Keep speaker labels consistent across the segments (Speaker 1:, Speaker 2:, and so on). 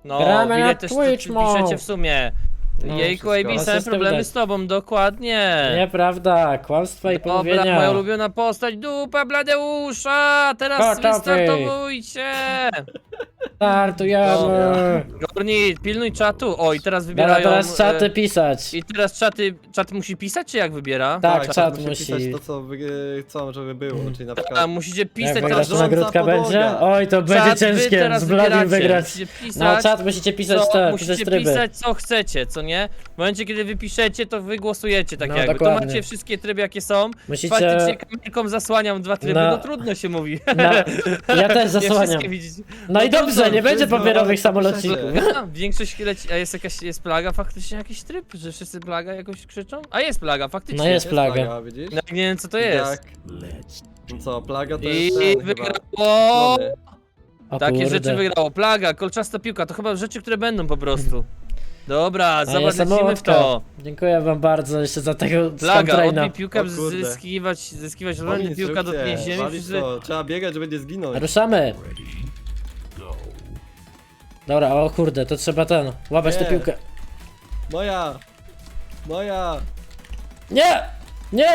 Speaker 1: No,
Speaker 2: Gramy
Speaker 1: ile
Speaker 2: na
Speaker 1: też
Speaker 2: Twitch
Speaker 1: piszecie
Speaker 2: Mode.
Speaker 1: w sumie.
Speaker 2: No,
Speaker 1: Jejku,
Speaker 2: wszystko.
Speaker 1: AB,
Speaker 2: No,
Speaker 1: same
Speaker 2: system
Speaker 1: problemy
Speaker 2: widać.
Speaker 1: z tobą, dokładnie.
Speaker 2: Nieprawda, kłamstwa i
Speaker 1: Dobra,
Speaker 2: pomówienia.
Speaker 1: moja ulubiona postać, dupa Bladeusza! Teraz
Speaker 2: Gotowy.
Speaker 1: wystartowujcie!
Speaker 2: Startujemy.
Speaker 1: Gorni, pilnuj czatu. O, i teraz
Speaker 2: Dobra,
Speaker 1: wybierają...
Speaker 2: teraz czaty pisać.
Speaker 1: I teraz czat musi pisać, czy jak wybiera?
Speaker 2: Tak, czat
Speaker 3: musi
Speaker 2: musi.
Speaker 3: pisać to, co chcą, żeby było, czyli na
Speaker 1: A
Speaker 3: przykład...
Speaker 1: musicie
Speaker 2: Jak
Speaker 1: pisać
Speaker 2: wygrasz,
Speaker 1: teraz
Speaker 2: to
Speaker 3: rządza
Speaker 2: nagródka
Speaker 3: podłoga.
Speaker 2: będzie? Oj, to będzie
Speaker 1: czat, wy
Speaker 2: ciężkie,
Speaker 1: teraz
Speaker 2: z Bladim
Speaker 1: wybieracie.
Speaker 2: wygrać.
Speaker 1: Musicie pisać,
Speaker 2: No, czat musicie pisać te, pisać
Speaker 1: musicie
Speaker 2: tryby.
Speaker 1: pisać co chcecie, co nie? W momencie, kiedy wy piszecie, to wy głosujecie tak
Speaker 2: No,
Speaker 1: jakby. To
Speaker 2: dokładnie.
Speaker 1: macie wszystkie tryby, jakie są.
Speaker 2: Musicie...
Speaker 1: Faktycznie kamerką zasłaniam 2 tryby,
Speaker 2: No.
Speaker 1: no trudno się mówi.
Speaker 2: No, ja też
Speaker 1: Nie
Speaker 2: zasłaniam.
Speaker 1: wszystkie widzicie.
Speaker 2: No i dobrze,
Speaker 1: trudno,
Speaker 2: nie będzie
Speaker 3: wszystko,
Speaker 2: papierowych
Speaker 3: ale
Speaker 2: samolocików.
Speaker 1: A, większość leci, a jest plaga, faktycznie jakiś tryb, że wszyscy plaga jakoś krzyczą? A jest plaga, faktycznie.
Speaker 2: No jest plaga.
Speaker 3: widzisz?
Speaker 1: No, nie wiem co to jest.
Speaker 3: Jak... No co, plaga to
Speaker 1: I
Speaker 3: jest ten, chyba
Speaker 1: wygrało!
Speaker 3: klony.
Speaker 2: O
Speaker 1: Takie
Speaker 2: kurde.
Speaker 1: rzeczy wygrało. Plaga, kolczasta piłka, to chyba rzeczy, które będą po prostu. Dobra,
Speaker 2: A
Speaker 1: zobacz,
Speaker 2: jestem
Speaker 1: lecimy w
Speaker 2: Mołotka.
Speaker 1: to.
Speaker 2: Dziękuję wam bardzo jeszcze za tego
Speaker 1: Plaga,
Speaker 2: skamtraina.
Speaker 1: odbij piłkę,
Speaker 3: O kurde.
Speaker 1: zyskiwać
Speaker 3: Oni
Speaker 1: rolny, piłka dotknie
Speaker 3: instrukcje,
Speaker 1: ziemi.
Speaker 3: walić to, trzeba biegać, żeby nie zginąć.
Speaker 2: Ruszamy. Dobra, o kurde, to trzeba łapać tę
Speaker 3: Nie.
Speaker 2: piłkę.
Speaker 3: Moja! Moja!
Speaker 2: Nie! Nie!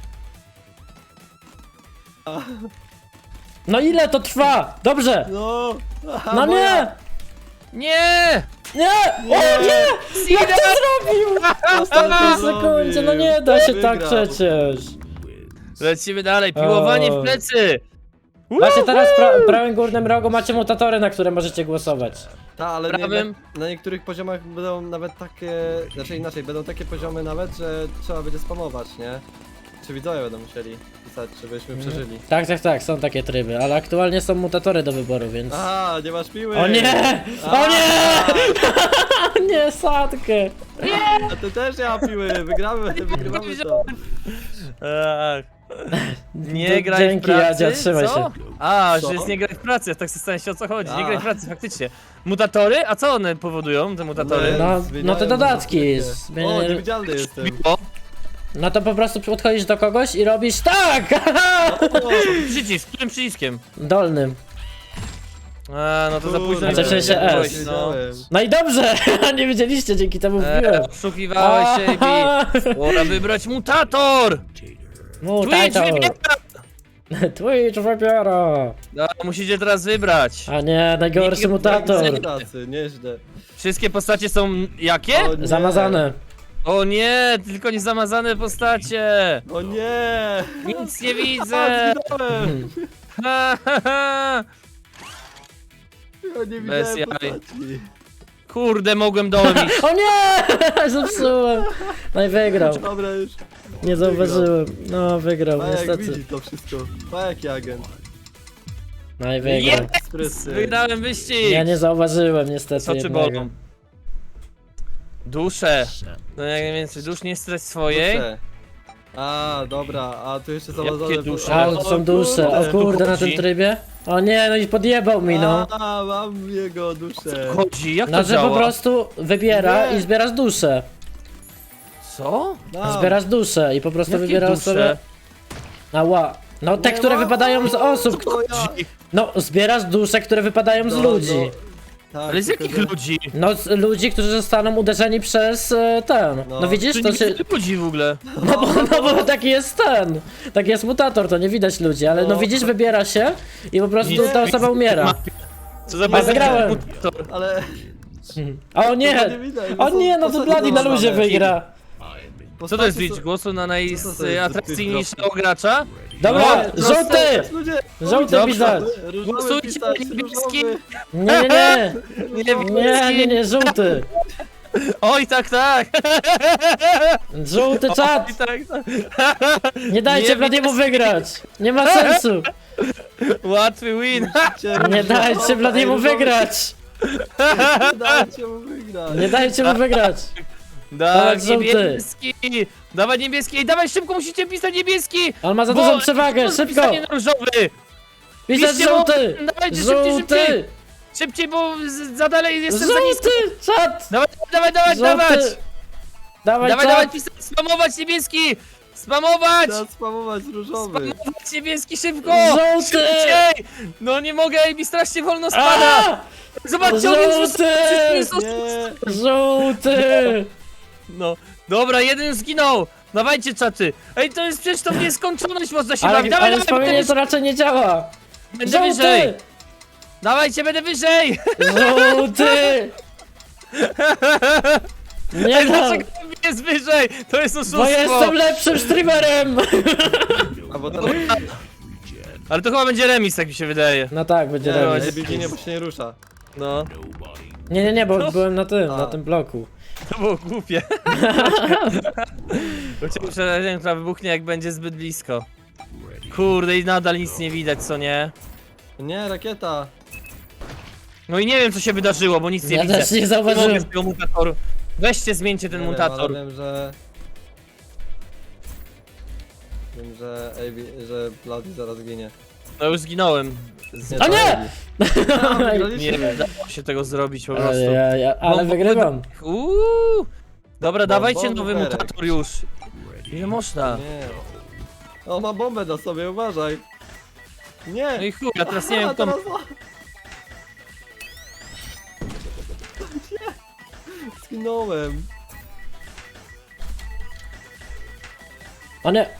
Speaker 2: No ile to trwa? Dobrze!
Speaker 3: No! Aha,
Speaker 2: No
Speaker 3: moja.
Speaker 2: nie!
Speaker 1: Nie!
Speaker 2: Nie! O nie! Jak to zrobił? W ostatniej sekundzie, no nie da się tak
Speaker 3: Wygrał.
Speaker 2: przecież.
Speaker 1: Lecimy dalej, piłowanie w plecy!
Speaker 2: Właśnie teraz w prawym górnym rogu macie mutatory, na które możecie głosować.
Speaker 3: Ta, ale
Speaker 1: Prawym.
Speaker 3: na niektórych poziomach będą nawet takie... Znaczy inaczej, będą takie poziomy nawet, że trzeba będzie spamować, nie? Czy widzowie będą musieli pisać, żebyśmy przeżyli.
Speaker 2: Tak, tak, tak, są takie tryby, ale aktualnie są mutatory do wyboru, więc...
Speaker 3: Aha, nie masz piły!
Speaker 2: O nie! O nie! Nie, sadkę!
Speaker 3: A ty też nie ma piły, wygramy to.
Speaker 1: Ach. Nie
Speaker 2: D-
Speaker 1: graj
Speaker 2: dzięki,
Speaker 1: w pracy,
Speaker 2: Jadzia, trzymaj
Speaker 1: co?
Speaker 2: się.
Speaker 1: A,
Speaker 3: Co?
Speaker 1: że jest nie graj w pracy, ja tak zastanawiam się o co chodzi, nie
Speaker 3: A.
Speaker 1: graj w pracy, faktycznie. Mutatory? A co one powodują, te mutatory?
Speaker 2: No,
Speaker 3: Zmieniają
Speaker 2: no te dodatki.
Speaker 3: O, niewidzialny jestem.
Speaker 1: O,
Speaker 2: No to po prostu podchodzisz do kogoś i robisz tak!
Speaker 1: przycisk, którym przyciskiem?
Speaker 2: Dolnym.
Speaker 1: A, no to za późno.
Speaker 2: Znaczy w sensie
Speaker 1: nie
Speaker 2: S.
Speaker 1: byłeś, no.
Speaker 2: No i dobrze! Nie wiedzieliście, dzięki temu wbiłem.
Speaker 1: Oszukiwałeś się i pora wybrać mutator! Twitch
Speaker 2: Mutator!
Speaker 1: wybiera!
Speaker 2: Twitch wybiera!
Speaker 1: No, musicie teraz wybrać.
Speaker 2: A nie, najgorszy
Speaker 1: Nie
Speaker 2: mutator.
Speaker 3: Pracy, nieźle.
Speaker 1: Wszystkie postacie są jakie?
Speaker 3: O nie.
Speaker 2: Zamazane.
Speaker 1: O nie, tylko nie zamazane postacie!
Speaker 3: O nie!
Speaker 1: Nic nie widzę!
Speaker 3: A, zginąłem!
Speaker 1: Ha, ha, ha.
Speaker 3: Ja nie
Speaker 1: Bez
Speaker 3: widziałem
Speaker 1: jaj.
Speaker 3: postaci.
Speaker 1: Kurde, mogłem dołem iść.
Speaker 2: O nie! Zepsułem. No i wygrał.
Speaker 3: Dobra już.
Speaker 2: Nie zauważyłem. No, wygrał,
Speaker 3: Pajak
Speaker 2: niestety.
Speaker 3: widzi to wszystko. Pajak i agent.
Speaker 2: No i wygrał.
Speaker 3: Sprysy.
Speaker 1: Wygrałem wyścig!
Speaker 2: Ja nie zauważyłem niestety
Speaker 1: Oczy
Speaker 2: jednego.
Speaker 1: bolą. Dusze. No jak najwięcej dusz, nie strać swojej.
Speaker 3: Dusze. A, dobra, a tu jeszcze
Speaker 1: Jakie
Speaker 3: zamazane...
Speaker 1: dusze?
Speaker 2: A,
Speaker 3: O,
Speaker 2: są dusze. O kurde, na tym
Speaker 1: chodzi?
Speaker 2: trybie? O nie, no i podjebał mi, no.
Speaker 3: A, mam jego duszę.
Speaker 1: Chodzi, jak to
Speaker 2: No, że
Speaker 1: działa?
Speaker 2: po prostu wybiera
Speaker 3: Nie.
Speaker 2: i zbierasz duszę.
Speaker 1: Co?
Speaker 3: Mam.
Speaker 2: Zbierasz duszę i po prostu
Speaker 1: Jakie
Speaker 2: wybierasz
Speaker 1: dusze?
Speaker 2: sobie... Ała. No te,
Speaker 3: Nie
Speaker 2: które
Speaker 3: ma.
Speaker 2: wypadają z osób.
Speaker 3: To ja.
Speaker 2: No, zbierasz dusze, które wypadają z
Speaker 3: No,
Speaker 2: ludzi.
Speaker 3: Tak,
Speaker 1: Ale z
Speaker 3: tylko
Speaker 1: jakich
Speaker 3: że-
Speaker 1: ludzi?
Speaker 2: No, z ludzi, którzy zostaną uderzeni przez ten. No widzisz,
Speaker 1: Tu
Speaker 2: to
Speaker 1: nie
Speaker 2: się...
Speaker 1: widzę ludzi w ogóle.
Speaker 2: No bo taki jest ten. Taki jest mutator, to nie widać ludzi, ale no
Speaker 3: No.
Speaker 2: widzisz, wybiera się i po prostu
Speaker 1: Nic-
Speaker 2: ta osoba umiera.
Speaker 1: Co za
Speaker 2: A wygrałem.
Speaker 1: mutator.
Speaker 3: Ale...
Speaker 2: O nie!
Speaker 3: Tego nie widać, bo
Speaker 2: O
Speaker 3: są
Speaker 2: nie, no to
Speaker 3: postacie
Speaker 2: Bloody na luzie
Speaker 3: zamazane.
Speaker 2: wygra.
Speaker 1: Co to jest
Speaker 3: Postacie
Speaker 1: liczb
Speaker 3: są-
Speaker 1: głosu na
Speaker 3: Co to jest za
Speaker 1: najatrakcyjniejszego gracza?
Speaker 2: Dobra,
Speaker 1: No,
Speaker 2: żółty!
Speaker 3: Ludzie!
Speaker 2: Żółty
Speaker 1: Dobrze.
Speaker 2: pisać!
Speaker 3: Różowy
Speaker 1: Głosujcie
Speaker 3: pisać,
Speaker 1: na niebieski.
Speaker 3: różowy.
Speaker 2: Nie, nie,
Speaker 1: Nie,
Speaker 2: nie, żółty!
Speaker 1: Oj, tak, tak!
Speaker 2: Żółty czat!
Speaker 1: Oj, tak, tak.
Speaker 2: Nie dajcie
Speaker 1: Nie
Speaker 2: Bladiemu wygrać! Nie ma sensu!
Speaker 1: Łatwy win!
Speaker 2: Nie dajcie Bladiemu wygrać!
Speaker 3: Nie dajcie mu wygrać.
Speaker 2: Nie dajcie mu wygrać!
Speaker 1: Dawaj
Speaker 2: żółty.
Speaker 1: niebieski! Dawaj niebieski! Ej, dawaj szybko, musicie pisać niebieski!
Speaker 2: On ma za
Speaker 1: Bo-
Speaker 2: dużą przewagę, szybko!
Speaker 1: Pisanie na różowy!
Speaker 2: Pisać
Speaker 1: piszcie mu-
Speaker 2: żółty!
Speaker 1: Dawajcie szybciej, szybciej!
Speaker 2: Żółty!
Speaker 1: Szybciej, bo za dalej jestem za nisko!
Speaker 2: Żółty! Czat!
Speaker 1: Dawaj, dawaj, dawaj, dawaj!
Speaker 2: Żółty! Dawaj,
Speaker 1: Dawaj, dawaj,
Speaker 2: czat!
Speaker 1: pisać, spamować niebieski! Spamować!
Speaker 3: Trzeba spamować różowy.
Speaker 1: Spamować niebieski szybko!
Speaker 2: Żółty!
Speaker 1: Szybciej! No nie mogę, Ejbi strasznie wolno spada!
Speaker 2: A!
Speaker 1: Zobaczcie, on jest
Speaker 2: Żółty!
Speaker 3: Nie.
Speaker 2: Żółty!
Speaker 1: No, dobra, jeden już zginął! Dawajcie, czaty! Ej, to jest przecież to w nieskończoność można się
Speaker 2: Ale,
Speaker 1: bawić! Dawaj,
Speaker 2: ale
Speaker 1: dawaj,
Speaker 2: wspomnienie
Speaker 1: będę,
Speaker 2: to raczej nie działa!
Speaker 1: będę wyżej!
Speaker 2: Żółty!
Speaker 1: Dawajcie, będę wyżej!
Speaker 2: Żółty! Nie
Speaker 1: Ej,
Speaker 2: no!
Speaker 1: dlaczego jest wyżej? To jest
Speaker 2: Bo
Speaker 1: oszustwo!
Speaker 2: jestem lepszym streamerem!
Speaker 3: A bo teraz...
Speaker 1: Ale to chyba będzie remis, tak mi się wydaje.
Speaker 2: No tak, będzie
Speaker 3: Nie,
Speaker 2: remis.
Speaker 3: nie, ginie, bo się nie rusza.
Speaker 1: No,
Speaker 2: Nie, bo byłem na tym,
Speaker 3: A.
Speaker 2: na tym bloku.
Speaker 1: to było głupie. Chciałem przerażeniem, która wybuchnie, jak będzie zbyt blisko. Kurde, i nadal nic nie widać, co nie?
Speaker 3: Nie, rakieta.
Speaker 1: No i nie wiem, co się wydarzyło, bo nic nie
Speaker 2: Ja
Speaker 1: widzę.
Speaker 2: też nie
Speaker 1: Nie mogę
Speaker 2: zauważyłem.
Speaker 1: z tego mutatoru. Weźcie, zmieńcie ten
Speaker 3: Nie wiem,
Speaker 1: mutator.
Speaker 3: ale wiem, że... Wiem, że że Bloody zaraz ginie.
Speaker 1: No już zginąłem.
Speaker 3: Nie,
Speaker 2: O
Speaker 3: to
Speaker 2: nie!
Speaker 3: Ejbi.
Speaker 1: Nie dało się tego zrobić po prostu.
Speaker 2: Ale
Speaker 1: Mam
Speaker 2: wygrywam.
Speaker 1: Dobra, dawajcie
Speaker 3: Bom,
Speaker 1: nowy
Speaker 3: bumerek.
Speaker 1: mutator już. Ile można?
Speaker 3: Nie. O, ma bombę na sobie, uważaj. Nie!
Speaker 1: No i chuj, ja teraz nie wiem,
Speaker 3: A,
Speaker 1: kto...
Speaker 3: teraz... Nie. Zginąłem.
Speaker 2: O nie!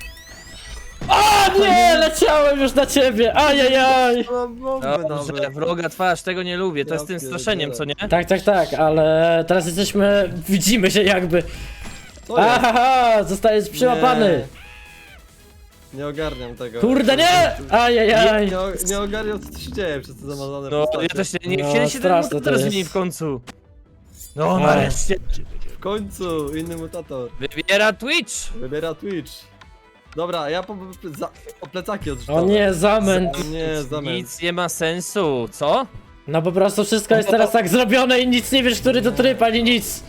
Speaker 2: O nie! Leciałem już na ciebie! Ajajaj!
Speaker 3: Mam bombę
Speaker 1: Dobrze,
Speaker 3: nawet.
Speaker 1: wroga twarz, tego nie lubię. To
Speaker 3: Ja
Speaker 1: jest tym
Speaker 3: pierdzielę.
Speaker 1: straszeniem, co nie?
Speaker 2: Tak, ale teraz jesteśmy... Widzimy się jakby.
Speaker 3: Co jest?
Speaker 2: Ahaha! Zostajesz przyłapany!
Speaker 3: Nie ogarniam tego.
Speaker 2: Kurde nie! Ajajaj!
Speaker 3: Nie ogarniam, co tu się dzieje przez te zamazane
Speaker 1: No,
Speaker 3: postacie.
Speaker 1: ja też nie
Speaker 2: No,
Speaker 1: chcieli się ten
Speaker 2: straszne to
Speaker 1: mutator
Speaker 2: jest.
Speaker 1: zmieni w końcu. No,
Speaker 2: Ej.
Speaker 1: nareszcie.
Speaker 3: W końcu, inny mutator.
Speaker 1: Wybiera Twitch.
Speaker 3: Wybiera Twitch. Dobra, ja o plecaki odrzucam.
Speaker 2: O nie, zamęt!
Speaker 3: O nie, zamęt.
Speaker 1: Nic nie ma sensu, co?
Speaker 2: No po prostu wszystko jest teraz tak zrobione i nic nie wiesz, który to tryb, ani nic!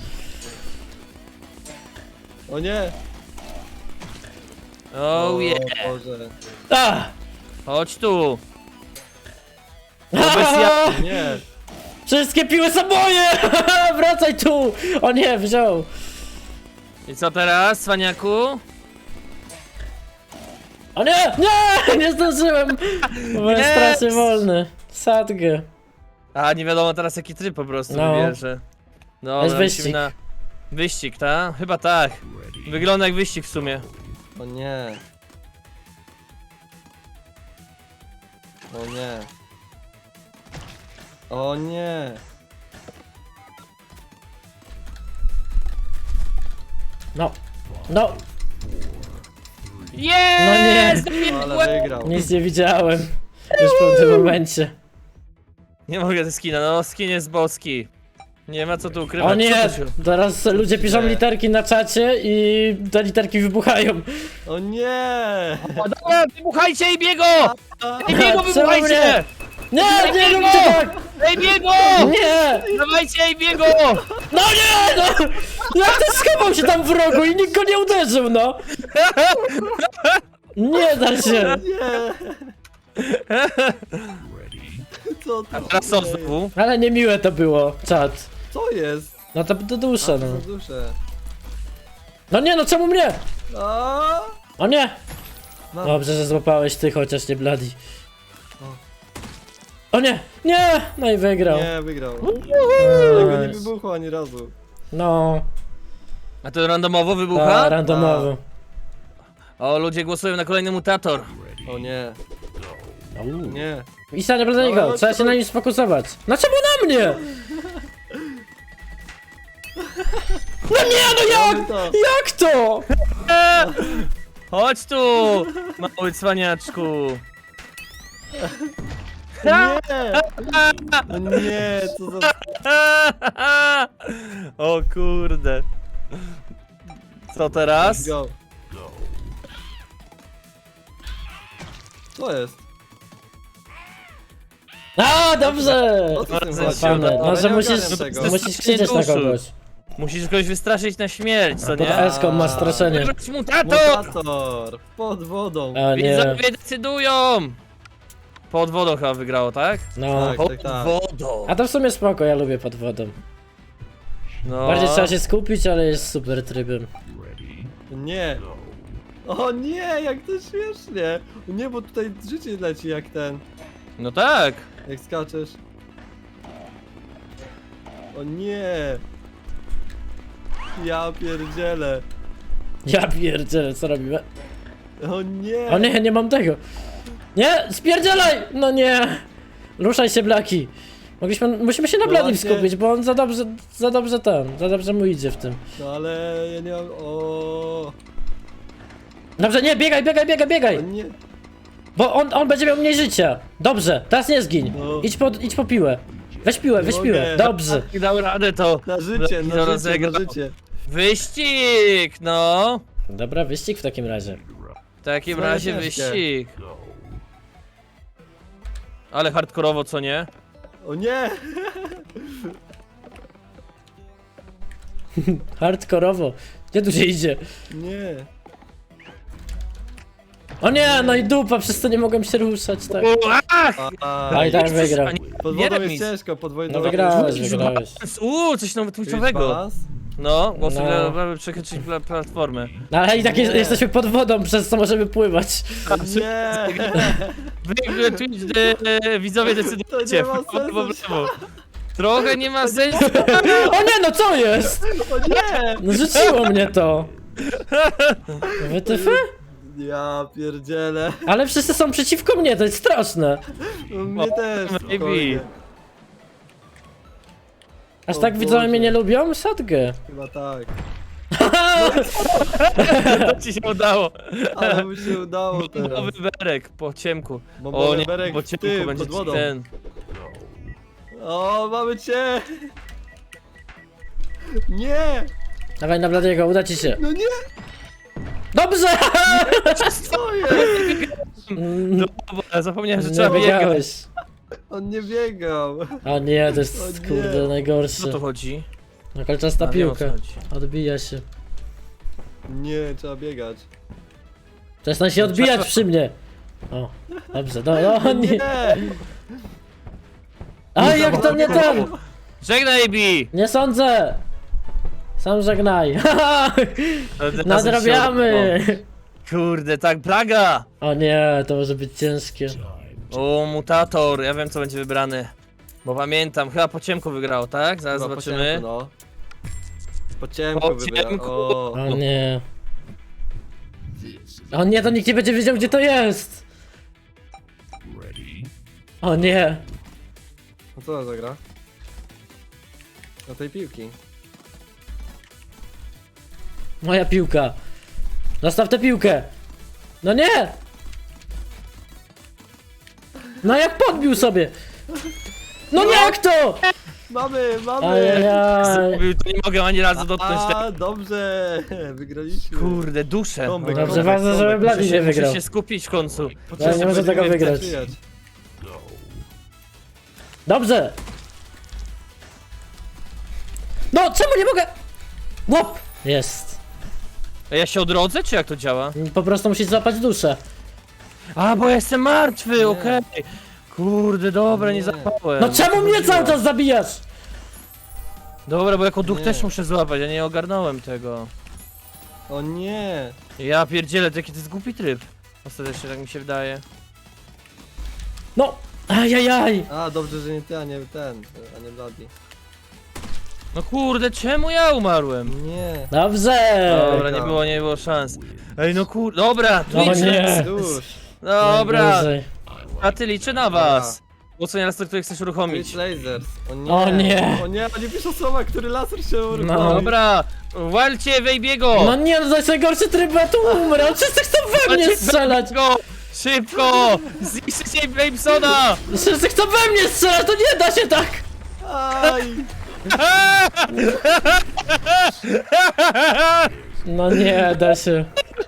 Speaker 3: O nie!
Speaker 1: Oh yeah.
Speaker 3: Boże.
Speaker 2: A!
Speaker 1: Chodź tu. Wobec ja...
Speaker 3: Nie!
Speaker 2: Wszystkie piły są moje! Wracaj tu! O nie, wziął!
Speaker 1: I co teraz, cwaniaku?
Speaker 2: O nie! Nie! Nie zdążyłem! Byłem
Speaker 1: Yes!
Speaker 2: strasznie wolny. Sadgę.
Speaker 1: A, nie wiadomo teraz jaki tryb po prostu
Speaker 2: No.
Speaker 1: wybierze. No,
Speaker 2: Jest
Speaker 1: musimy
Speaker 2: wyścig.
Speaker 1: na... Wyścig, tak? Chyba tak. Wygląda jak wyścig w sumie.
Speaker 3: O nie! O nie! O nie!
Speaker 2: No. No,
Speaker 1: Jest!
Speaker 3: Ale wygrał.
Speaker 2: nic nie widziałem. Już w tym momencie.
Speaker 1: Nie mogę ze skina, no skin jest boski. Nie ma co tu ukrywać.
Speaker 2: O nie!
Speaker 1: Co to się...
Speaker 2: Teraz ludzie piszą
Speaker 3: Nie.
Speaker 2: literki na czacie i te literki wybuchają.
Speaker 3: O nie!
Speaker 1: O, dobra, wybuchajcie i biego! Ej, biego,
Speaker 2: Czemu
Speaker 1: wybuchajcie!
Speaker 2: Nie, nie róbcie tak!
Speaker 1: Ej, biego!
Speaker 2: Nie!
Speaker 1: Dawajcie, ej, biego!
Speaker 2: No nie, no! Jak ty schował się tam w rogu i nikt go nie uderzył, no! Nie da się!
Speaker 3: Nie! Co to
Speaker 1: Teraz co
Speaker 3: się dzieje?
Speaker 1: znowu?
Speaker 2: Ale niemiłe to było, czat.
Speaker 3: Co jest?
Speaker 2: No to do dusze,
Speaker 3: Co
Speaker 2: no.
Speaker 3: za duszę?
Speaker 2: No nie, no czemu mnie?
Speaker 3: A!
Speaker 2: O nie!
Speaker 3: Mam.
Speaker 2: Dobrze, że złapałeś ty, chociaż nie Bloody. O nie! Nie! No i wygrał.
Speaker 3: Nie, wygrał.
Speaker 2: Nice.
Speaker 3: Tego nie wybuchło ani razu.
Speaker 2: No,
Speaker 1: A to randomowo
Speaker 2: ta,
Speaker 1: wybucha?
Speaker 2: randomowo.
Speaker 1: O, ludzie głosują na kolejny mutator.
Speaker 3: O nie, nie.
Speaker 2: I stanie do niego,
Speaker 3: Ale
Speaker 2: trzeba
Speaker 3: to-
Speaker 2: się na nim sfokusować. No czemu na mnie? No nie, no jak?
Speaker 3: Mamy to.
Speaker 2: Jak to?
Speaker 1: Chodź tu, mały cwaniaczku.
Speaker 3: Nie! No nie, co za...
Speaker 1: O kurde. Co teraz?
Speaker 3: Let's go. Co jest?
Speaker 2: A, dobrze!
Speaker 3: O co z tym
Speaker 1: Bardzo
Speaker 3: chodzi?
Speaker 2: Fajne.
Speaker 3: Ja
Speaker 2: Może
Speaker 3: nie
Speaker 2: musisz,
Speaker 3: ogarniam tego.
Speaker 2: musisz krzyczeć na kogoś.
Speaker 1: Musisz kogoś wystraszyć na śmierć, co
Speaker 2: Pod
Speaker 1: nie?
Speaker 2: eską masz straszenie.
Speaker 1: Wybrać mutator!
Speaker 3: Mutator! Pod wodą!
Speaker 2: A nie,
Speaker 1: Widzowie decydują! Pod wodą chyba wygrało, tak?
Speaker 2: no.
Speaker 3: Tak.
Speaker 1: Pod wodą.
Speaker 2: A to w sumie spoko, ja lubię pod wodą.
Speaker 1: No.
Speaker 2: Bardziej trzeba się skupić, ale jest super trybem.
Speaker 3: Nie! O nie, jak to śmiesznie. O nie, bo tutaj życie leci jak ten.
Speaker 1: No tak.
Speaker 3: Jak skaczesz. O nie. Ja pierdzielę.
Speaker 2: Ja pierdzielę, co robimy?
Speaker 3: O nie.
Speaker 2: O nie, nie mam tego. Nie, spierdzielaj! No nie. Ruszaj się, Blaki. Musimy się na
Speaker 3: No
Speaker 2: Bladim
Speaker 3: właśnie.
Speaker 2: skupić, bo on za dobrze mu idzie w tym.
Speaker 3: No ale ja nie mam... O
Speaker 2: Dobrze, nie, biegaj!
Speaker 3: nie.
Speaker 2: Bo on będzie miał mniej życia. Dobrze, teraz nie zgiń.
Speaker 3: No.
Speaker 2: Idź po piłę. Weź piłę.
Speaker 3: mogę.
Speaker 2: Dobrze.
Speaker 1: I dał radę to.
Speaker 3: Na życie,
Speaker 1: No,
Speaker 3: na życie,
Speaker 1: rozegrał.
Speaker 3: na życie.
Speaker 1: Wyścig, no.
Speaker 2: Dobra, wyścig w takim razie.
Speaker 1: W takim
Speaker 3: Swoje
Speaker 1: razie
Speaker 3: ciężkie.
Speaker 1: wyścig. Ale hardkorowo, co nie?
Speaker 3: O nie.
Speaker 2: Hardkorowo. Gdzie tu się idzie?
Speaker 3: Nie.
Speaker 2: O nie, no i dupa, przez to nie mogłem się ruszać, tak.
Speaker 1: Ach!
Speaker 2: A i tak
Speaker 1: Jest
Speaker 2: wygrał.
Speaker 1: coś-
Speaker 3: Pod
Speaker 1: nie
Speaker 3: wodą jest
Speaker 1: remis.
Speaker 3: ciężko, pod wodą.
Speaker 2: No wygrałeś.
Speaker 1: Coś nowo twitchowego. No, głosuj
Speaker 2: No.
Speaker 1: dla przekroczyć platformę.
Speaker 2: No ale i tak
Speaker 3: Nie.
Speaker 2: jesteśmy pod wodą, przez co możemy pływać.
Speaker 3: Nie.
Speaker 1: Wy Twitch, widzowie decydujcie.
Speaker 3: To nie ma
Speaker 1: w prawo, w
Speaker 3: sensu.
Speaker 1: lewo. Trochę nie ma sensu.
Speaker 2: O nie, no co jest?
Speaker 3: O nie.
Speaker 2: No rzuciło mnie to. WTF?
Speaker 3: Ja pierdzielę.
Speaker 2: Ale wszyscy są przeciwko mnie, to jest straszne.
Speaker 3: No, mnie też.
Speaker 1: maybe.
Speaker 3: spokojnie.
Speaker 2: Aż
Speaker 3: O
Speaker 2: tak widzowie
Speaker 3: Boże.
Speaker 2: mnie nie lubią? Sadgę.
Speaker 3: Chyba tak.
Speaker 1: To ci się udało.
Speaker 3: Ale mu się udało teraz.
Speaker 1: Bombowy berek po ciemku.
Speaker 3: Bombowy
Speaker 1: O nie,
Speaker 3: berek
Speaker 1: po
Speaker 3: w
Speaker 1: ciemku
Speaker 3: tył,
Speaker 1: będzie
Speaker 3: pod wodą.
Speaker 1: ten.
Speaker 3: O, mamy cię! Nie!
Speaker 2: Dawaj na Bladiego, uda ci się.
Speaker 3: No nie!
Speaker 2: Dobrze!
Speaker 3: Co jest?
Speaker 1: Dobra, zapomniałem, że
Speaker 2: Nie
Speaker 1: trzeba biegać.
Speaker 2: biegałeś.
Speaker 3: On nie biegał.
Speaker 2: O nie, to jest
Speaker 3: O nie.
Speaker 2: kurde
Speaker 1: Co
Speaker 2: najgorsze.
Speaker 1: to chodzi?
Speaker 2: No kolczasta
Speaker 1: A, wiem, o co
Speaker 2: piłka.
Speaker 1: chodzi.
Speaker 2: Odbija się.
Speaker 3: Nie, trzeba biegać.
Speaker 2: Przestań się odbijać przy mnie. O, dobrze, no nie.
Speaker 3: Nie!
Speaker 2: A jak to nie ten?
Speaker 1: Żegnaj, Bi!
Speaker 2: Nie sądzę! Sam żegnaj.
Speaker 1: Teraz
Speaker 2: Nadrabiamy!
Speaker 1: się- Kurde, tak, plaga!
Speaker 2: O nie, to może być ciężkie.
Speaker 1: O, mutator, ja wiem co będzie wybrany. Bo pamiętam, chyba po ciemku wygrał, tak? Zaraz
Speaker 3: Chyba po
Speaker 1: zobaczymy.
Speaker 3: ciemku, no. Po ciemku
Speaker 1: Po
Speaker 3: wybrał.
Speaker 1: ciemku.
Speaker 3: O.
Speaker 2: O nie. O nie, to nikt nie będzie wiedział gdzie to jest! O nie.
Speaker 3: No co to za gra? Do tej piłki.
Speaker 2: Moja piłka. Zostaw tę piłkę. No nie! No jak podbił sobie! No nie, jak to?
Speaker 3: Mamy!
Speaker 2: Ajajaj.
Speaker 1: Zrobił, to nie mogę ani razu dotknąć tego.
Speaker 3: A, dobrze! Wygraliśmy.
Speaker 1: Kurde, duszę.
Speaker 3: Tomek,
Speaker 1: Dobra.
Speaker 2: Dobrze,
Speaker 3: Tomek,
Speaker 2: ważne, żeby
Speaker 3: Tomek,
Speaker 2: Blady nie wygrał.
Speaker 1: Muszę się skupić w końcu.
Speaker 2: Ja nie może tego
Speaker 3: Będziemy
Speaker 2: wygrać.
Speaker 3: zaczynać.
Speaker 2: Dobrze! No, czemu nie mogę? Łop! Jest.
Speaker 1: A ja się odrodzę, czy jak to działa?
Speaker 2: Po prostu musisz złapać duszę.
Speaker 1: A, bo ja jestem martwy,
Speaker 3: Nie.
Speaker 1: okej. Kurde, dobra, nie
Speaker 3: Nie.
Speaker 1: zapałem.
Speaker 2: No czemu mnie cały czas zabijasz?
Speaker 1: Dobra, bo jako duch
Speaker 3: Nie.
Speaker 1: też muszę złapać, ja nie ogarnąłem tego.
Speaker 3: O nie!
Speaker 1: Ja pierdzielę, to jaki to jest głupi tryb. Ostatecznie, tak mi się wydaje.
Speaker 2: No! Ajajaj!
Speaker 3: A, dobrze, że nie ty, a nie ten, a nie Bloody.
Speaker 1: No kurde, czemu ja umarłem?
Speaker 3: Nie.
Speaker 2: Dobrze!
Speaker 1: Dobra, nie było szans. Ej, no kurde, dobra,
Speaker 2: O
Speaker 1: Twitch,
Speaker 2: nie.
Speaker 3: Dusz.
Speaker 1: dobra,
Speaker 2: Najgorzej.
Speaker 1: a ty liczę na was. Głosuję na który chcesz uruchomić.
Speaker 3: Twitch Lasers. O nie.
Speaker 2: O nie.
Speaker 3: O nie, oni piszą słowa, który laser się uruchomi.
Speaker 2: No.
Speaker 1: Dobra, walcie Wejbiego!
Speaker 2: No nie, no to jest najgorszy tryb, bo ja tu umrę! Wszyscy chcą we mnie strzelać!
Speaker 1: Szybko! Zniszczycie Babesona!
Speaker 2: Wszyscy chcą we mnie strzelać, to nie da się tak!
Speaker 3: Aj!
Speaker 2: No nie da się.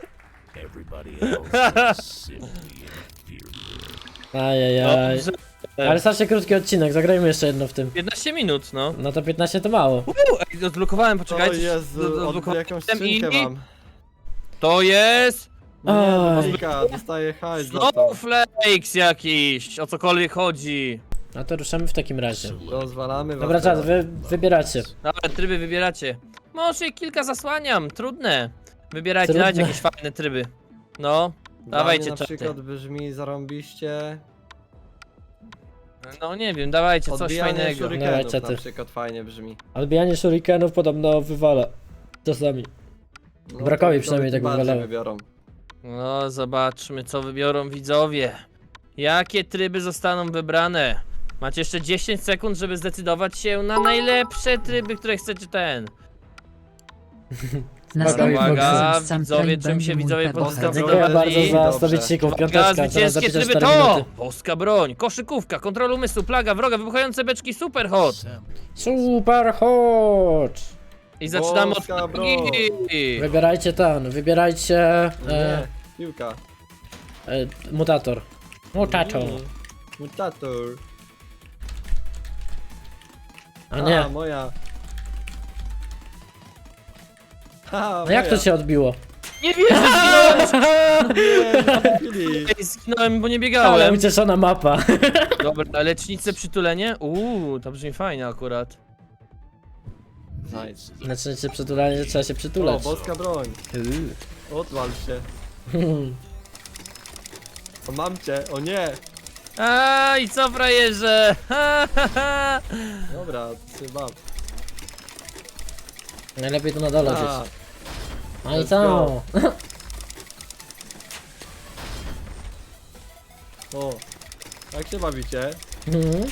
Speaker 2: Ajajaj.
Speaker 1: Dobrze.
Speaker 2: Ale strasznie krótki odcinek, zagrajmy jeszcze jedno w tym.
Speaker 1: 15 minut, no.
Speaker 2: No to 15 to mało.
Speaker 1: Ej, odblokowałem,
Speaker 3: O
Speaker 1: poczekajcie.
Speaker 3: Jezu,
Speaker 1: odblokowałem
Speaker 3: jakąś
Speaker 1: system
Speaker 3: skrzynkę mam.
Speaker 1: To jest...
Speaker 3: Nie,
Speaker 2: Aj.
Speaker 3: Dominika, dostaję hajs za to.
Speaker 1: Snowflakes jakiś, o cokolwiek chodzi.
Speaker 2: No to ruszamy w takim razie.
Speaker 3: Rozwalamy was.
Speaker 2: Dobra, czas,
Speaker 3: teraz.
Speaker 2: wybieracie.
Speaker 1: Dobra, tryby wybieracie. Może kilka zasłaniam, trudne. Wybierajcie,
Speaker 2: Trudne.
Speaker 1: dajcie jakieś fajne tryby. No,
Speaker 3: Dla
Speaker 1: dawajcie
Speaker 3: mnie na
Speaker 1: czaty.
Speaker 3: przykład brzmi zarąbiście.
Speaker 1: No nie wiem, dawajcie coś
Speaker 3: Odbijanie
Speaker 1: fajnego.
Speaker 2: Dawaj,
Speaker 3: shurikenów
Speaker 2: czaty.
Speaker 3: na przykład fajnie brzmi.
Speaker 2: Odbijanie shurikenów podobno wywala. Czasami.
Speaker 3: No,
Speaker 2: Brakowi
Speaker 3: to
Speaker 2: przynajmniej tak
Speaker 3: bardziej
Speaker 2: wywalało.
Speaker 3: wybiorą.
Speaker 1: No, zobaczmy co wybiorą widzowie. Jakie tryby zostaną wybrane? Macie jeszcze 10 sekund, żeby zdecydować się na najlepsze tryby, które chcecie ten.
Speaker 2: Brakowi
Speaker 1: Uwaga,
Speaker 2: Foxy.
Speaker 1: widzowie, czym się widzowie
Speaker 3: Boska
Speaker 2: Dziękuję
Speaker 3: broń.
Speaker 2: bardzo za
Speaker 3: Dobrze.
Speaker 2: 100 bicików.
Speaker 1: Uwaga,
Speaker 2: Piąteczka, teraz
Speaker 1: zwycięskie
Speaker 2: zapiszę
Speaker 1: tryby
Speaker 2: 4
Speaker 1: to!
Speaker 2: minuty.
Speaker 1: Boska broń, koszykówka, kontrol umysłu, plaga, wroga, wybuchające beczki, super hot!
Speaker 2: Super hot!
Speaker 1: I zaczynamy od
Speaker 3: Boska broń.
Speaker 1: plagi.
Speaker 2: Wybierajcie ten, wybierajcie
Speaker 3: Nie, piłka.
Speaker 2: mutator. Mutator.
Speaker 3: Mutator.
Speaker 2: A nie.
Speaker 3: Moja. Ha,
Speaker 2: A jak to się odbiło?
Speaker 1: Nie wierzę, zginąłem!
Speaker 3: Chwili.
Speaker 1: Ej, zginąłem, bo nie
Speaker 2: Ale
Speaker 1: biegałem.
Speaker 2: ucieszona mapa.
Speaker 1: Dobra, lecznice przytulenie? To brzmi fajnie akurat.
Speaker 3: Nice.
Speaker 2: Znaczy się przytulanie, że trzeba się
Speaker 3: O,
Speaker 2: przytulać.
Speaker 3: boska broń. Odwal się. O, mam cię, o nie.
Speaker 1: A i co frajerze? Ha, ha, ha.
Speaker 3: Dobra, trzeba.
Speaker 2: Najlepiej to na dole
Speaker 3: A,
Speaker 2: gdzieś. No i
Speaker 3: let's
Speaker 2: co?
Speaker 3: go. O, jak się bawicie?
Speaker 2: Mhm.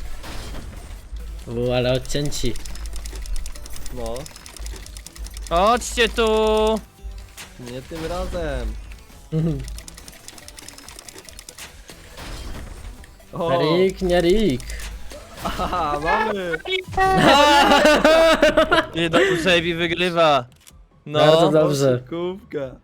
Speaker 2: Ale odcięci.
Speaker 3: No,
Speaker 1: Chodźcie tu!
Speaker 3: nie tym razem.
Speaker 2: Mhm.
Speaker 3: O,
Speaker 2: Rick, nie Rick.
Speaker 3: aha, mamy.
Speaker 1: Nie do Kusebi wygrywa.
Speaker 2: Bardzo
Speaker 1: No.
Speaker 2: dobrze.
Speaker 3: Kubka.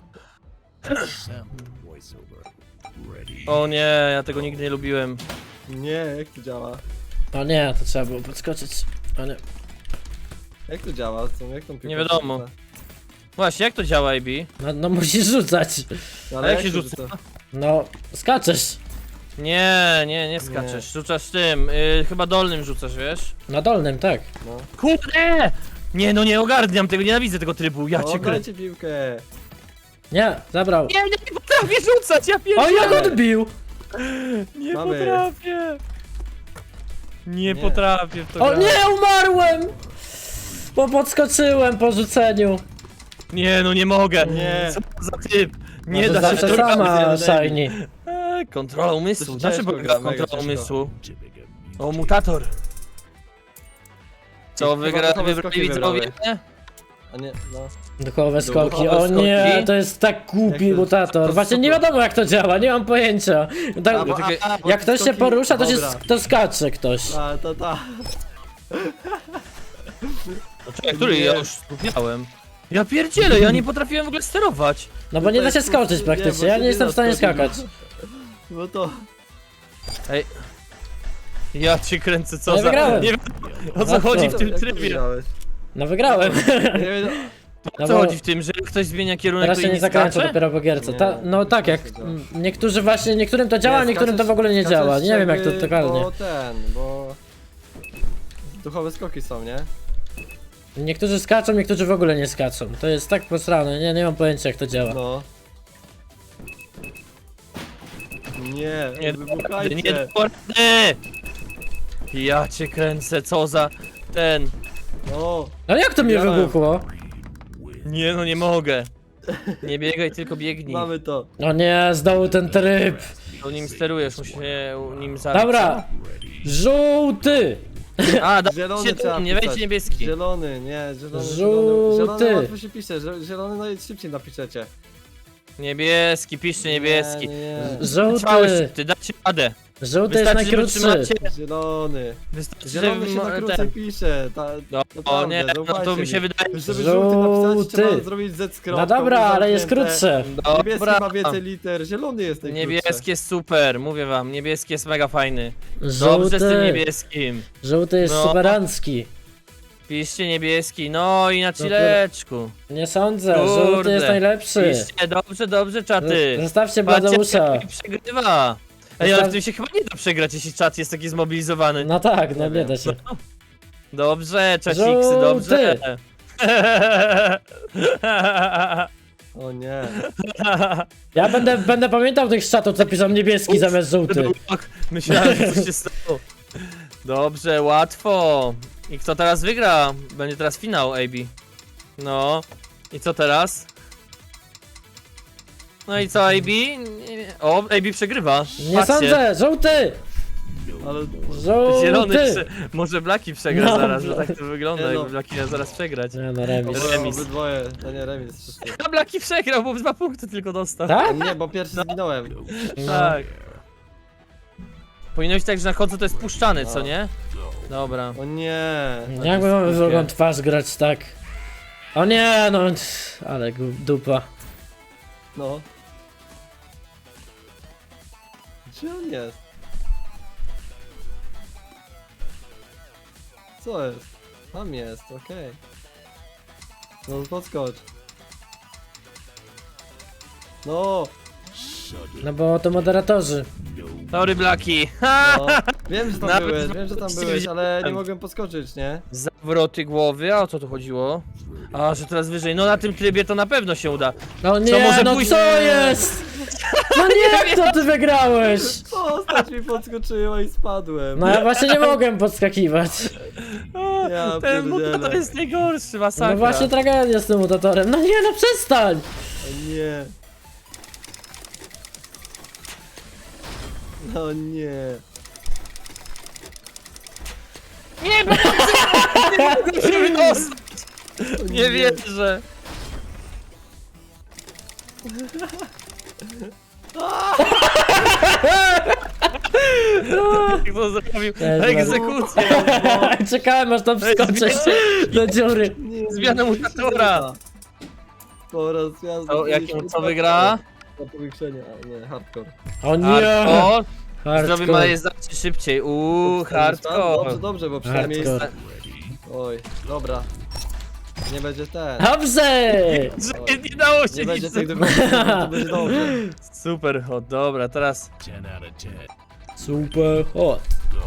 Speaker 1: O nie, ja tego nigdy nie lubiłem.
Speaker 3: Nie, jak to działa?
Speaker 2: O nie, to trzeba było podskoczyć. O nie.
Speaker 3: Jak to działa? Jak tą piłką
Speaker 1: Nie wiadomo.
Speaker 3: się rzuca?
Speaker 1: Właśnie, jak to działa, AB?
Speaker 2: No musisz rzucać.
Speaker 3: No,
Speaker 1: A jak się rzuca?
Speaker 2: No, skaczesz.
Speaker 1: Nie skaczesz. Rzucasz tym, chyba dolnym rzucasz, wiesz?
Speaker 2: Na dolnym, tak.
Speaker 3: No.
Speaker 1: Kurde! Nie, no nie ogarniam tego, nienawidzę tego trybu, ja
Speaker 3: O,
Speaker 1: cię krę...
Speaker 3: dajcie piłkę.
Speaker 2: Nie, zabrał.
Speaker 1: Nie potrafię rzucać, ja
Speaker 2: O,
Speaker 1: pierdzielę!
Speaker 2: jak odbił!
Speaker 1: Nie
Speaker 3: Mamy.
Speaker 1: potrafię! Nie
Speaker 3: Nie.
Speaker 1: potrafię w to
Speaker 2: O
Speaker 1: grać.
Speaker 2: nie, umarłem! Bo podskoczyłem po rzuceniu.
Speaker 1: Nie, no nie mogę!
Speaker 3: Nie.
Speaker 1: Co to za typ? Nie
Speaker 2: No to
Speaker 1: da się
Speaker 2: zawsze
Speaker 1: to
Speaker 2: sama,
Speaker 3: robić.
Speaker 2: Shiny.
Speaker 1: Kontrola umysłu,
Speaker 3: To
Speaker 1: znaczy
Speaker 3: ciężko
Speaker 1: polega
Speaker 3: gra, mega
Speaker 1: kontrola
Speaker 3: ciężko.
Speaker 1: umysłu. O, mutator. Co,
Speaker 3: Chyba
Speaker 1: wygrali
Speaker 3: gotowe
Speaker 1: wybrali
Speaker 3: skoki
Speaker 1: widzowie?
Speaker 3: wybrałeś. A nie, no.
Speaker 2: Duchowe skoki.
Speaker 3: Duchowe
Speaker 2: O nie,
Speaker 1: skoki?
Speaker 2: to jest tak głupi
Speaker 3: Jak to-
Speaker 2: mutator.
Speaker 3: to
Speaker 2: Właśnie nie
Speaker 3: super.
Speaker 2: wiadomo jak to działa, nie mam pojęcia. Tak,
Speaker 3: Bo
Speaker 2: jak ktoś się
Speaker 3: skoki-
Speaker 2: porusza,
Speaker 3: Dobra.
Speaker 2: to skacze ktoś.
Speaker 3: A, to ta.
Speaker 1: Czekaj, który ja już miałem. Ja pierdzielę, ja nie potrafiłem w ogóle sterować.
Speaker 2: No bo nie da się
Speaker 3: Tutaj
Speaker 2: skoczyć
Speaker 3: nie,
Speaker 2: praktycznie,
Speaker 3: właśnie
Speaker 2: ja nie jestem
Speaker 3: da
Speaker 2: w stanie
Speaker 3: skoczyć,
Speaker 2: skakać.
Speaker 3: No to.
Speaker 1: Ej. Ja cię kręcę, co
Speaker 2: Ja
Speaker 1: za...
Speaker 2: wygrałem.
Speaker 1: Nie wiem, o co
Speaker 2: A
Speaker 1: chodzi
Speaker 2: co?
Speaker 1: w tym
Speaker 3: Jak to
Speaker 1: trybie.
Speaker 3: wygrałeś?
Speaker 2: No wygrałem.
Speaker 3: Nie wiem,
Speaker 1: O
Speaker 2: No
Speaker 1: co
Speaker 2: bo
Speaker 1: chodzi w tym, że ktoś zmienia kierunek,
Speaker 2: teraz
Speaker 1: to
Speaker 2: się
Speaker 1: inni
Speaker 2: nie zakręca
Speaker 1: skacze?
Speaker 2: dopiero po gierce.
Speaker 3: Nie,
Speaker 2: No tak, jak
Speaker 3: to działa.
Speaker 2: niektórzy właśnie, niektórym to działa, a niektórym to w ogóle nie
Speaker 3: skaczesz
Speaker 2: działa. Nie wiem jak to
Speaker 3: jakby,
Speaker 2: totalnie.
Speaker 3: Bo duchowe skoki są, nie?
Speaker 2: Niektórzy skaczą, niektórzy w ogóle nie skaczą. To jest tak posrane, nie mam pojęcia jak to działa.
Speaker 3: No. Nie,
Speaker 1: Nie,
Speaker 3: wybuchajcie.
Speaker 1: nie porady! Ja cię kręcę, co za... ten...
Speaker 3: No,
Speaker 2: No jak to mnie
Speaker 3: Widziałem.
Speaker 2: wybuchło?
Speaker 1: Nie no, nie mogę. Nie biegaj, tylko biegnij.
Speaker 3: mamy to.
Speaker 2: No nie, znowu ten tryb.
Speaker 1: To nim sterujesz, musisz się nim zabić.
Speaker 2: Dobra. Żółty.
Speaker 1: A,
Speaker 3: Zielony
Speaker 1: dajcie
Speaker 3: trzeba
Speaker 1: tu, nie wejdźcie
Speaker 3: pisać.
Speaker 1: niebieski.
Speaker 3: Zielony, nie, zielony.
Speaker 2: Żółty.
Speaker 3: Zielony łatwo się pisze, zielony najszybciej napiszecie.
Speaker 1: Niebieski, piszcie niebieski.
Speaker 3: Nie.
Speaker 2: Żółty.
Speaker 1: Ty dacie radę.
Speaker 2: Żółty jest
Speaker 1: Wystarczy, że
Speaker 2: najkrótszy.
Speaker 1: wytrzymacie.
Speaker 3: Zielony.
Speaker 1: Wystarczy,
Speaker 3: Zielony
Speaker 1: że
Speaker 3: się na krócej
Speaker 1: ten...
Speaker 3: pisze.
Speaker 1: No, o nie, no to mi się wydaje.
Speaker 3: Żeby żółty napisać,
Speaker 2: Żółty.
Speaker 3: trzeba zrobić Z z kropką.
Speaker 2: No dobra, ale jest
Speaker 3: zamknięte.
Speaker 2: krótsze.
Speaker 3: Niebieski
Speaker 1: Dobra.
Speaker 3: ma więcej liter, zielony jest najkrótszy.
Speaker 1: Niebieski jest super, mówię wam, niebieski jest mega fajny. Dobrze z tym
Speaker 2: Żółty.
Speaker 1: niebieskim.
Speaker 2: Żółty jest
Speaker 1: No.
Speaker 2: superancki.
Speaker 1: Piszcie niebieski, no i na chileczku.
Speaker 2: Nie sądzę,
Speaker 1: Kurde.
Speaker 2: żółty jest najlepszy.
Speaker 1: Piszcie, dobrze, czaty.
Speaker 2: Zostawcie
Speaker 1: Patrzcie,
Speaker 2: Bladeusza.
Speaker 1: jak przegrywa. Ej, ale w tym się chyba nie da przegrać, jeśli czat jest taki zmobilizowany.
Speaker 2: No tak, no
Speaker 3: Nie
Speaker 2: nie
Speaker 3: wiem.
Speaker 2: da się.
Speaker 1: Dobrze, czaciksy,
Speaker 2: Żółty.
Speaker 1: dobrze.
Speaker 3: O nie.
Speaker 2: Ja będę pamiętał tych czatów, co piszą niebieski zamiast żółty.
Speaker 1: Myślałem, że coś się stało. Dobrze, łatwo. I kto teraz wygra? Będzie teraz finał, AB. No. I co teraz? No i co, AB? O, AB przegrywa.
Speaker 2: Nie
Speaker 1: Patrzcie.
Speaker 2: sądzę, żółty!
Speaker 3: Ale
Speaker 1: Zielony
Speaker 2: Żółty!
Speaker 1: może Blaki przegra
Speaker 2: No,
Speaker 1: zaraz, że tak to wygląda,
Speaker 3: Nie no.
Speaker 1: jakby Blaki miał zaraz przegrać.
Speaker 2: Nie no, remis.
Speaker 1: Remis.
Speaker 3: obydwoje, to nie remis. Wszystko.
Speaker 1: A Blaki przegrał, bo 2 punkty tylko dostał.
Speaker 2: Tak?
Speaker 3: Nie, bo pierwszy zginąłem.
Speaker 1: Tak. Powinno być tak, że na końcu to jest puszczany, co nie? Dobra.
Speaker 3: O nie.
Speaker 2: Jak my mamy drugą twarz grać tak? O nie, no, ale dupa.
Speaker 3: No. Gdzie on jest? Co jest? Tam jest, okej. No podskocz. No,
Speaker 2: No bo to moderatorzy.
Speaker 1: Sorry, Blaki. Ha!
Speaker 3: no. Wiem, że tam
Speaker 1: Nawet
Speaker 3: byłeś, wiem, że tam byłeś, ale nie
Speaker 1: widziałem.
Speaker 3: mogłem podskoczyć, nie?
Speaker 1: Zawroty głowy, a o co tu chodziło? A, że teraz wyżej. No na tym trybie to na pewno się uda.
Speaker 2: No nie,
Speaker 1: może
Speaker 2: no
Speaker 1: pójść-
Speaker 2: co jest? No nie, jak to ty wygrałeś?
Speaker 3: Postać mi podskoczyła i spadłem.
Speaker 2: No ja właśnie nie mogłem podskakiwać.
Speaker 1: O,
Speaker 3: Ja
Speaker 1: ten
Speaker 3: pierdzielę.
Speaker 1: mutator jest najgorszy, masakra.
Speaker 2: No właśnie tragedia z tym mutatorem. No nie, no przestań!
Speaker 3: O nie. No nie.
Speaker 1: Nie, bo nie mogę się wydostać.
Speaker 3: O
Speaker 1: Nie wierzę. Jak to zrobił? Egzekucję.
Speaker 2: Czekałem aż tam wskoczyć do dziury.
Speaker 3: Nie,
Speaker 1: Zmiana
Speaker 3: nie,
Speaker 1: mutatora.
Speaker 3: Po raz ja
Speaker 1: To jakim co wygra?
Speaker 3: Na powiększenie, a nie, hardcore.
Speaker 2: O nie!
Speaker 1: Hardcore. Zrobimy
Speaker 2: Hardcore.
Speaker 1: majezację szybciej. Hardcore.
Speaker 3: Dobrze, dobrze, bo przynajmniej...
Speaker 2: Hardcore.
Speaker 3: Oj, dobra. Nie będzie ten.
Speaker 2: Dobrze!
Speaker 1: Że nie dało się
Speaker 3: Nie będzie
Speaker 1: nic.
Speaker 3: tych dokumentów, to będzie dobrze.
Speaker 1: Super, o dobra, teraz.
Speaker 2: Super hot.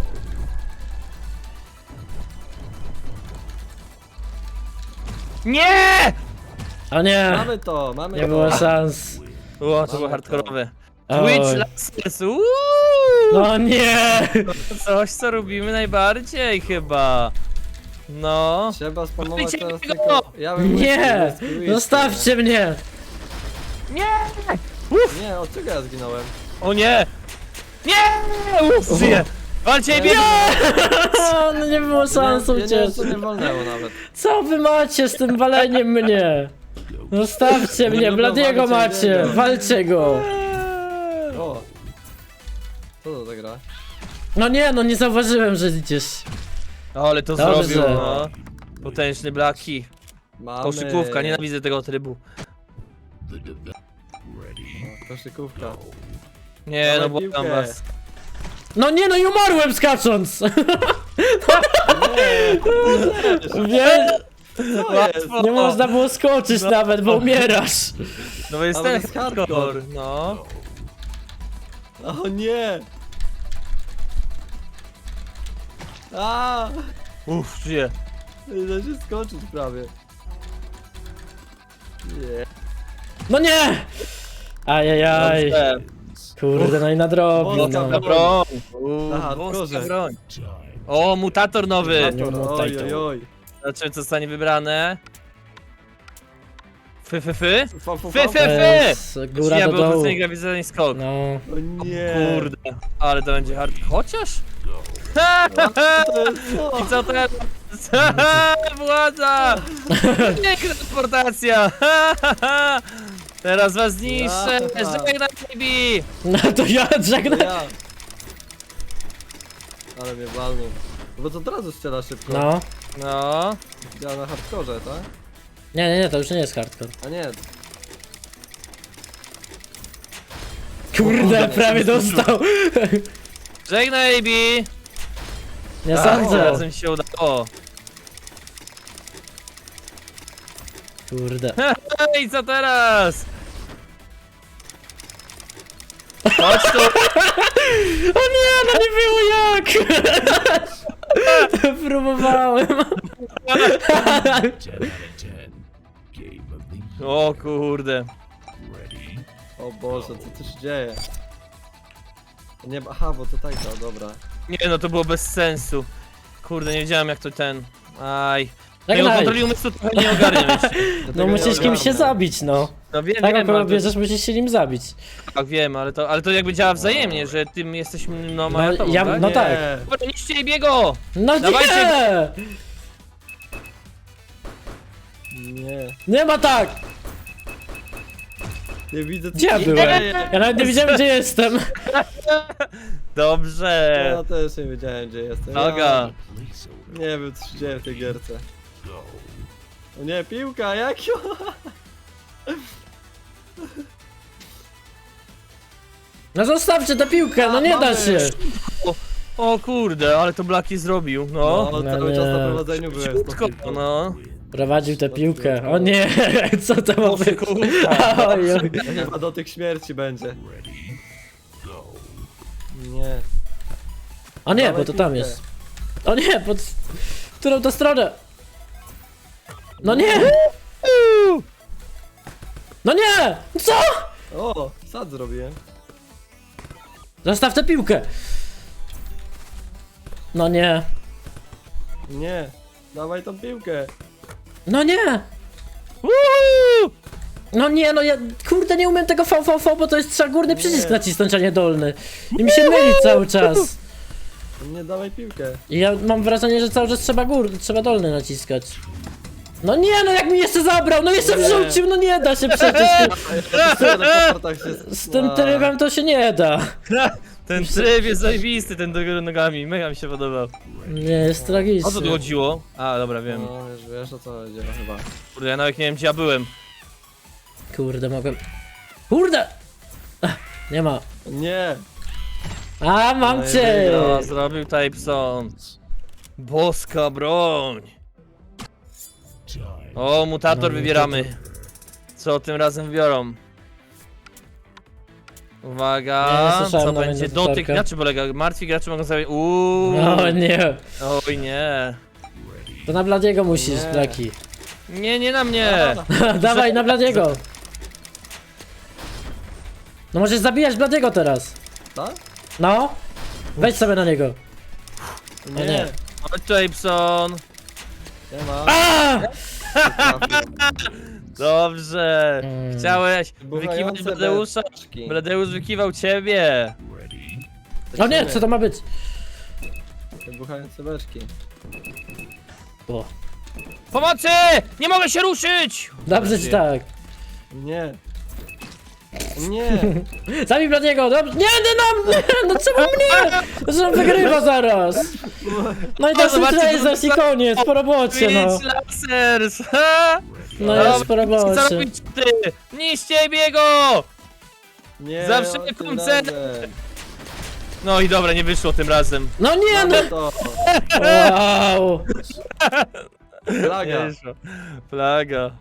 Speaker 1: Nie!
Speaker 2: O nie!
Speaker 3: Mamy to, mamy
Speaker 2: Nie
Speaker 3: to.
Speaker 2: było szans.
Speaker 1: O, to było
Speaker 3: Mamy
Speaker 1: hardkorowe.
Speaker 2: Oj.
Speaker 1: Twitch Lasers,
Speaker 2: No nie!
Speaker 1: Coś co robimy najbardziej chyba. No.
Speaker 3: Trzeba spamować
Speaker 1: Wyjdźcie
Speaker 3: teraz
Speaker 1: mi
Speaker 3: tylko...
Speaker 1: go!
Speaker 3: Ja bym
Speaker 2: Nie!
Speaker 3: whisky,
Speaker 2: Zostawcie mnie!
Speaker 1: Nie!
Speaker 3: Nie, od czego ja zginąłem?
Speaker 1: O nie! Nie! Uff, żyję! Walcie i
Speaker 3: Nie.
Speaker 2: No nie było szans
Speaker 3: Ja nie,
Speaker 2: uciec.
Speaker 3: to nie wolnęło nawet.
Speaker 2: Co wy macie z tym waleniem mnie? Zostawcie mnie,
Speaker 3: lubią
Speaker 2: Bladiego
Speaker 3: walczyć,
Speaker 2: macie!
Speaker 3: nie wiem.
Speaker 2: Walcie go!
Speaker 3: O. Co to za gra?
Speaker 2: No nie, no nie zauważyłem, że idziesz.
Speaker 1: O, ale to
Speaker 2: Dobrze.
Speaker 1: zrobił, no. Potężny Blaki.
Speaker 3: Mamy...
Speaker 1: Koszykówka, nienawidzę tego trybu.
Speaker 3: O, koszykówka.
Speaker 1: Nie,
Speaker 3: Dawaj
Speaker 1: no błagam
Speaker 3: piłkę.
Speaker 1: was.
Speaker 2: No nie, no i umarłem skacząc! Wie,
Speaker 3: Co jest?
Speaker 2: nie można było skoczyć nawet, bo umierasz.
Speaker 1: No bo jest
Speaker 3: Ale
Speaker 1: ten
Speaker 3: jest
Speaker 1: hardcore,
Speaker 3: hardcore.
Speaker 1: no.
Speaker 3: O nie! A!
Speaker 1: Uff, żyję.
Speaker 3: Nie da się skoczyć prawie. Nie.
Speaker 2: No nie! Ajajaj.
Speaker 1: Dobrze.
Speaker 2: Kurde, no i nadrobił,
Speaker 3: Wąska
Speaker 2: no.
Speaker 1: Broń.
Speaker 3: Na
Speaker 1: Wąska
Speaker 3: hardkorze.
Speaker 1: broń. O, mutator nowy.
Speaker 3: Hardcore, oj, oj, oj.
Speaker 1: Zobaczymy co zostanie wybrane. Fy. Fy.
Speaker 3: Fa, fa,
Speaker 1: Fy.
Speaker 3: fa.
Speaker 1: Fy.
Speaker 2: Jest góra
Speaker 1: Ja
Speaker 2: do
Speaker 1: był
Speaker 2: dołu.
Speaker 1: odwrócenie grawitacyjny skok.
Speaker 2: No.
Speaker 3: O nie.
Speaker 1: Kurde, ale to będzie hard. Chociaż?
Speaker 3: To jest co?
Speaker 1: I co teraz? Władza! Piękna transportacja! Teraz was zniszczę! Żegnaj, baby!
Speaker 2: No to ja
Speaker 3: To
Speaker 2: żegnam.
Speaker 3: ja. Ale mnie walnął. Bo to od razu strzela szybko.
Speaker 2: No.
Speaker 1: No.
Speaker 3: Ja na hardkorze, tak?
Speaker 2: Nie, to już nie jest hardcore.
Speaker 3: A nie.
Speaker 2: Kurde, prawie dostał.
Speaker 1: Żegnaj, baby!
Speaker 2: Nie
Speaker 1: O,
Speaker 2: sądzę.
Speaker 1: razem się udało.
Speaker 2: Kurde.
Speaker 1: I co teraz? Chodź tu!
Speaker 2: O nie, no nie było jak! Próbowałem.
Speaker 1: O kurde.
Speaker 3: O Boże, co tu się dzieje? Nie, aha, bo to tak, no dobra.
Speaker 1: Nie no, to było bez sensu. Kurde, nie wiedziałem jak to ten... Aj.
Speaker 2: Tak
Speaker 1: Jego
Speaker 2: daj.
Speaker 1: kontroli umysłu trochę nie ogarniam jeszcze.
Speaker 2: No musisz kimś się zabić, no.
Speaker 1: No wiem,
Speaker 2: Tak,
Speaker 1: wiem,
Speaker 2: kogo
Speaker 1: ale to,
Speaker 2: bierzesz, musisz się nim zabić.
Speaker 1: tak wiem, ale to jakby działa wzajemnie, że tym jesteś no a ja tobą,
Speaker 2: ja-
Speaker 1: tak?
Speaker 2: no
Speaker 3: Nie.
Speaker 2: tak.
Speaker 1: Dobra, niszcie biego!
Speaker 2: No
Speaker 1: Dawajcie.
Speaker 2: nie!
Speaker 3: Nie,
Speaker 2: Nie ma tak!
Speaker 3: nie widzę co
Speaker 2: Gdzie ja
Speaker 3: się
Speaker 2: byłem?
Speaker 3: dzieje.
Speaker 2: Ja nawet nie wiedziałem, gdzie jestem.
Speaker 1: Dobrze!
Speaker 3: Ja też nie wiedziałem gdzie jestem.
Speaker 1: Noga!
Speaker 3: Nie wiem co się dzieje w tej gierce. O nie, piłka, jak ją?
Speaker 2: No zostawcie tę piłkę, no nie da
Speaker 3: mamy.
Speaker 2: się.
Speaker 1: O kurde, ale to Blaki zrobił, no.
Speaker 3: No,
Speaker 2: No
Speaker 3: cały
Speaker 2: nie.
Speaker 3: czas na prowadzeniu byłem z tą
Speaker 1: Ciutko,
Speaker 3: piłką.
Speaker 1: no.
Speaker 2: Prowadził tę piłkę. O nie, co to ma być?
Speaker 1: kurwa.
Speaker 2: Oj, oj.
Speaker 3: Chyba do tych śmierci będzie. Nie.
Speaker 2: O nie,
Speaker 3: Dawaj
Speaker 2: bo to tam
Speaker 3: piłkę.
Speaker 2: jest. O nie, pod którą to stronę? No nie! No nie! Co?
Speaker 3: O, sad zrobiłem.
Speaker 2: Zostaw tę piłkę! No nie.
Speaker 3: Nie. Dawaj tą piłkę.
Speaker 2: No nie!
Speaker 1: Uhu!
Speaker 2: No nie, no ja kurde nie umiem tego VVV, bo to jest trzeba górny przycisk
Speaker 3: Nie.
Speaker 2: nacisnąć, a nie dolny. I mi się myli cały czas.
Speaker 3: Nie dawaj piłkę.
Speaker 2: I ja mam wrażenie, że cały czas trzeba dolny naciskać. No nie, no jak mi jeszcze zabrał, no jeszcze
Speaker 3: Nie.
Speaker 2: wrzucił, no nie da się przecież.
Speaker 3: Na portach się...
Speaker 2: Z tym trybem to się nie da.
Speaker 1: Ten tryb jest zajebisty, ten do góry nogami, mega mi się podobał.
Speaker 2: Nie, jest tragicznie.
Speaker 1: O co tu chodziło? A, dobra, wiem.
Speaker 3: No, wiesz o co chodzi chyba.
Speaker 1: Kurde, ja nawet nie wiem gdzie ja byłem.
Speaker 2: Kurde, mogłem... Kurde! Ach, nie ma.
Speaker 3: Nie.
Speaker 2: A, mam
Speaker 3: No i
Speaker 2: cię!
Speaker 1: No, zrobił Typeson. Boska broń. O, mutator
Speaker 2: No,
Speaker 1: wybieramy. Co tym razem wybiorą? Uwaga,
Speaker 2: Nie słyszałem
Speaker 1: co
Speaker 2: nawet
Speaker 1: będzie?
Speaker 2: mutatorka.
Speaker 1: Dotyk graczy polega. Martwi gracze mogą sobie...
Speaker 2: O nie.
Speaker 1: Oj nie.
Speaker 2: To na Bladiego musisz,
Speaker 3: Nie.
Speaker 2: Blaki.
Speaker 1: Nie, nie na mnie.
Speaker 2: Dawaj, na Bladiego. No możesz zabijać Bladiego teraz.
Speaker 3: Tak?
Speaker 2: No. Wejdź sobie na niego.
Speaker 3: Nie.
Speaker 2: nie.
Speaker 1: Chodź Typeson.
Speaker 3: Nie ma.
Speaker 2: A!
Speaker 1: Dobrze.
Speaker 2: Mm.
Speaker 1: Chciałeś
Speaker 3: Wybuchające
Speaker 1: wykiwać Bladeusza?
Speaker 3: beczki.
Speaker 1: Bladeusz wykiwał ciebie.
Speaker 2: O nie, co to ma być?
Speaker 3: Wybuchające beczki.
Speaker 2: O.
Speaker 1: Pomocy! Nie mogę się ruszyć!
Speaker 2: Dobrze ci tak.
Speaker 3: Nie. Nie.
Speaker 2: Zabij Bladiego, dobrze. Nie, nie, no czemu mnie? Że on wygrywa zaraz. No i to
Speaker 1: zobaczcie,
Speaker 2: jest i koniec, po robocie no.
Speaker 1: Twitch Lasers! Ha!
Speaker 2: No
Speaker 1: Dobra,
Speaker 2: jest po
Speaker 1: Co
Speaker 2: robocie.
Speaker 1: robić ty? Niszcie biego!
Speaker 3: Nie.
Speaker 1: Zawsze
Speaker 3: o, tym
Speaker 1: koncert.
Speaker 3: razem.
Speaker 1: No i dobra, nie wyszło tym razem.
Speaker 2: No nie, no.
Speaker 3: Mamy to.
Speaker 2: Wow.
Speaker 3: Plaga.
Speaker 1: Nie wyszło. Plaga.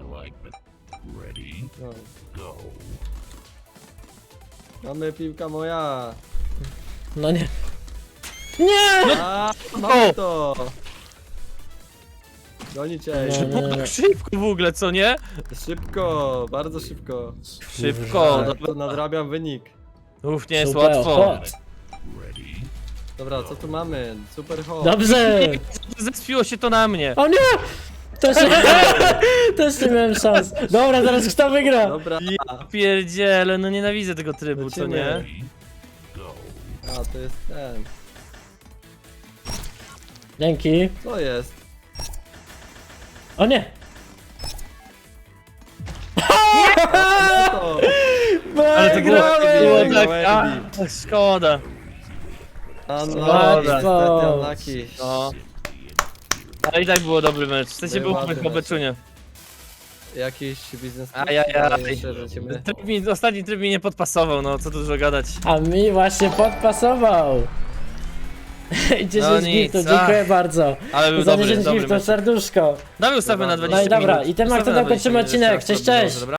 Speaker 3: No. Mamy piłka moja.
Speaker 2: No nie. Nie!
Speaker 3: A, mamy to. Goni cię.
Speaker 2: No nie.
Speaker 1: Tak szybko w ogóle, co nie?
Speaker 3: Szybko, bardzo szybko.
Speaker 1: Szybko.
Speaker 3: Tak, to nadrabiam wynik.
Speaker 1: Uff, nie jest
Speaker 2: Super
Speaker 1: łatwo.
Speaker 2: hot.
Speaker 3: Dobra, co tu mamy? Super hot.
Speaker 2: Dobrze.
Speaker 1: Zespiło się to na mnie.
Speaker 2: O nie! Też nie, też nie miałem szans. Dobra, teraz kto wygra?
Speaker 3: Dobra.
Speaker 1: Ja pierdziele, no nienawidzę tego trybu, co nie?
Speaker 3: Lecimy. A, to jest ten.
Speaker 2: Dzięki.
Speaker 3: Co jest?
Speaker 2: O nie!
Speaker 3: A, to.
Speaker 1: Ale to było,
Speaker 2: Wygrałem!
Speaker 1: było tak, a, szkoda.
Speaker 3: Unlucky,
Speaker 2: Łatwo.
Speaker 3: niestety unlucky.
Speaker 1: No. Ale i tak było dobry mecz. W sensie był
Speaker 3: Ładny
Speaker 1: po
Speaker 3: mecz.
Speaker 1: beczunie.
Speaker 3: Jakiś biznes.
Speaker 1: Ajajaj.
Speaker 3: Jeszcze lecimy.
Speaker 1: Ostatni tryb mi nie podpasował, no co tu dużo gadać.
Speaker 2: A mi właśnie podpasował. 10
Speaker 1: No nic,
Speaker 2: giftów,
Speaker 1: a.
Speaker 2: dziękuję bardzo.
Speaker 1: Ale był
Speaker 2: Za
Speaker 1: dobry,
Speaker 2: 10
Speaker 1: dobry
Speaker 2: giftów,
Speaker 1: mecz.
Speaker 2: serduszko.
Speaker 1: Dawaj ustawmy na 20
Speaker 2: No i dobra,
Speaker 1: minut.
Speaker 2: i tym
Speaker 1: Ustawmy
Speaker 2: akcentem
Speaker 1: na
Speaker 2: kończymy
Speaker 1: 20 minut,
Speaker 2: odcinek.
Speaker 1: jeszcze raz
Speaker 2: Cześć,
Speaker 1: to było,
Speaker 2: cześć.
Speaker 1: dobra?